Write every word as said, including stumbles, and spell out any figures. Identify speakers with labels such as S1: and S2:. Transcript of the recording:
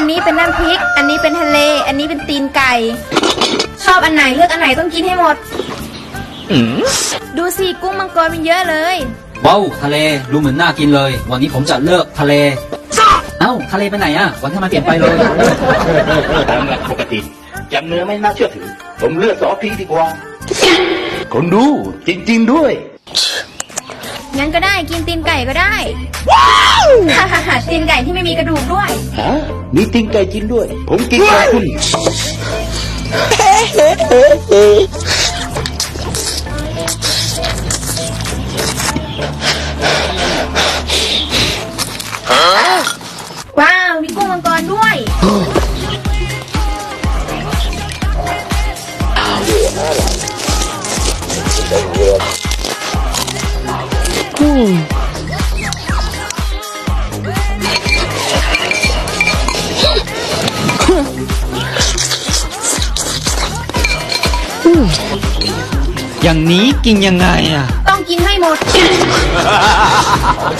S1: นี้เป็นน้ำพริก อันนี้เป็นทะเล อันนี้เป็นตีนไก่ ชอบอันไหนเลือกอันไหนต้องกินให้หมด ดูสิกุ้งมังกรมันเยอะเลย
S2: ว้าวทะเลดูเหมือนน่ากินเลย วันนี้ผมจะเลิกทะเล เอ้าทะเลไปไหนอะวันที่มันเปลี่ยนไปเลย
S3: ตามหลักปกติจำเนื้อไม่น่าเชื่อถือ ผมเลือกซอสพริกดีกว่า คนดูจริงๆด้วย
S1: งั้นก็ได้กินตีนไก่ก็ได้ ฮ่าฮ่าฮ่าตีนไก่ที่ไม่มีกระดูกด้วย
S3: ฮะ มีติงไก่จริงด้วย ผมกินกับคุณ
S1: ว้าวมีกุ้งมังกรด้วย
S2: อย่างนี้กินยังไงอะ
S1: ต้องกินให้หมด